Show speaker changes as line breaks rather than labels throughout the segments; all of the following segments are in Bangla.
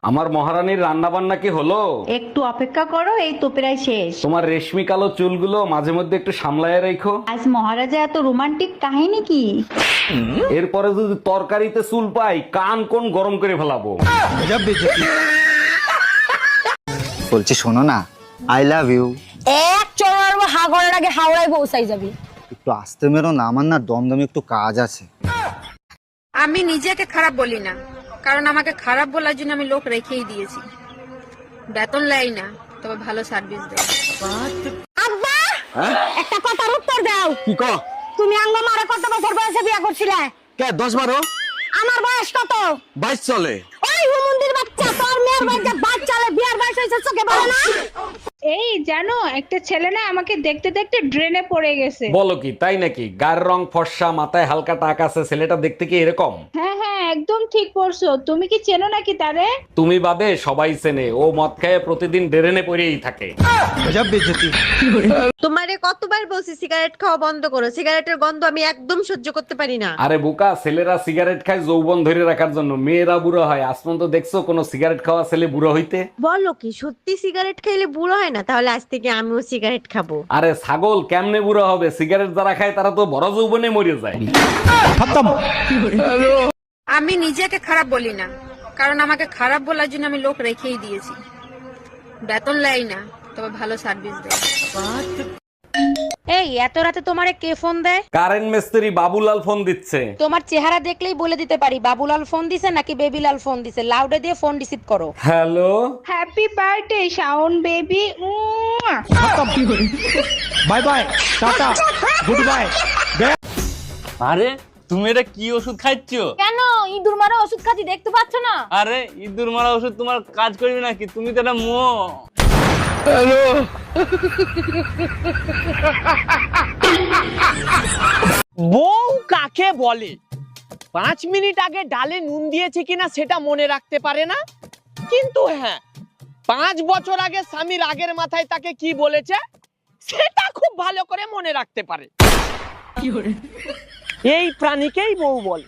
আমার মহারানীর রান্না বান্না কি হলো?
একটু অপেক্ষা করো, এই তো প্রায় শেষ।
তোমার রেশমি কালো চুলগুলো মাঝে মধ্যে একটু সামলায় রাখো।
আজ মহারাজা এত রোমান্টিক কাহিনী কি?
এরপরে যদি তরকারিতে চুল পাই কান কোন গরম করে ফেলাবো।
বলছি শোনো না, আই লাভ ইউ।
এক চড়ার হাগরের আগে হাওড়ায় পৌঁছাই যাবি।
একটু আসতে মেরো না, আমার না দমদমে একটু কাজ আছে।
আমি নিজেকে খারাপ বলি না, কারণ আমাকে খারাপ বলার জন্য আমি লোক রেখেই দিয়েছি। বেতন লাই না, তবে ভালো সার্ভিস দেয়।
আব্বা একটা কথার উত্তর দাও।
কি ক?
তুমি আঙ্গ মারে কত বছর বয়সে বিয়ে করছিলে?
কে 10-12?
আমার বয়স কত?
22 চলে।
ওই হুমুন্দির বাচ্চা, তোর মেয়ের বাচ্চা বাচ্চালে বিয়ার বয়স হয়েছে, চোখে পড়ে না?
এই জানো, একটা ছেলে না আমাকে দেখতে দেখতে ড্রেনে পড়ে গেছে।
বলো কি, তাই নাকি? গায়ের রং ফর্সা, মাথায় হালকা টাক আছে, ছেলেটা দেখতে কি এরকম?
হ্যাঁ হ্যাঁ, একদম ঠিক পড়ছো। তুমি কি চেনো নাকি তারে?
তুমি বাদে সবাই চেনে, ও মদ খায় প্রতিদিন ডেরেনে পড়েই থাকে।
তোমারে কতবার বলছি সিগারেট খাওয়া বন্ধ করো, সিগারেটের গন্ধ আমি একদম সহ্য করতে পারি না।
আরে বোকা, ছেলেরা সিগারেট খায় যৌবন ধরে রাখার জন্য, মেয়েরা বুড়ো হয়। আসমান তো দেখছো কোনো সিগারেট খাওয়া ছেলে বুড়ো হইতে?
বলো কি সত্যি সিগারেট খেলে বুড়ো হয় না? তাহলে আজ থেকে আমিও সিগারেট খাবো।
আরে ছাগল, কেমনে বুড়ো হবে? সিগারেট যারা খায় তারা তো বড় যৌবনে মরে যায়।
আমি নিজেকে খারাপ বলি না, কারণ আমাকে খারাপ বলার জন্য আমি লোক রেখেই দিয়েছি। বেতন লাই না, তবে ভালো সার্ভিস দেয়।
এই এত রাতে তোমারে কে ফোন দেয়?
কারেন্ট মিস্ত্রি বাবুলাল ফোন দিচ্ছে।
তোমার চেহারা দেখলেই বলে দিতে পারি বাবুলাল ফোন দিছে নাকি বেবিলাল ফোন দিছে। লাউডে দিয়ে ফোন রিসিভ করো।
Hello,
happy birthday Shawon baby.
Bye bye, tata, goodbye.
আরে তুমি এটা কি ওষুধ খাইছো?
কেন ইঁদুর মারা ওষুধ খাচ্ছি, দেখতে পাচ্ছ না?
আরে ইঁদুর মারা ওষুধ তোমার কাজ করবে নাকি? তুমি তো একটা মো।
বউ কাকে বলে? 5 মিনিট আগে ডালে নুন দিয়েছে কিনা সেটা মনে রাখতে পারে না, কিন্তু হ্যাঁ 5 বছর আগে স্বামীর আগের মাথায় তাকে কি বলেছে সেটা খুব ভালো করে মনে রাখতে পারে। এই প্রাণীকেই বউ বলে।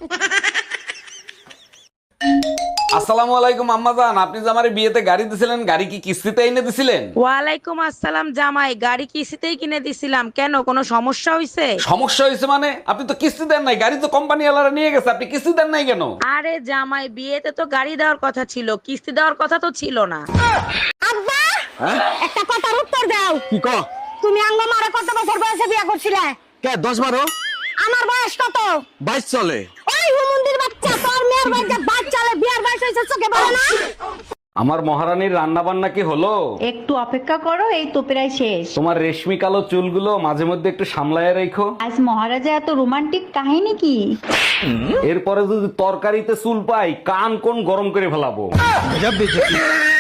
আসসালামু আলাইকুম আম্মাজান, আপনি যে আমার বিয়েতে গাড়ি দিছিলেন, গাড়ি কি কিস্তিতে এনে দিছিলেন?
ওয়ালাইকুম আসসালাম জামাই, গাড়ি কিস্তিতেই কিনে দিছিলাম। কেন, কোনো সমস্যা হইছে?
সমস্যা হয়েছে মানে? আপনি তো কিস্তি দেন নাই, গাড়ি তো কোম্পানি ওয়ালারা নিয়ে গেছে, আপনি কিস্তি দেন নাই কেন?
আরে জামাই, বিয়েতে তো গাড়ি দেওয়ার কথা ছিল, কিস্তি দেওয়ার কথা তো ছিল না।
আব্বা একটা কথার উত্তর দাও।
কি ক?
তুমি আঙ্গ মারে কত বছর বয়সে বিয়ে করছিলে?
কে 10-12?
আমার বয়স কত?
22 চলে।
ওই হুমুন্দির বাচ্চা, তোর মেয়ের বাচ্চা বাচ্চালে বিয়ার বয়স হয়েছে, চোখে পড়ে না?
আমার মহারানীর রান্না বান্না কি হলো?
একটু অপেক্ষা করো, এই তো প্রায় শেষ।
তোমার রেশমি কালো চুলগুলো মাঝে মধ্যে একটু সামলায় রাখো।
আজ মহারাজা এত রোমান্টিক কাহিনী কি?
এরপরে যদি তরকারিতে চুল পাই কান কোন গরম করে ফেলাবো।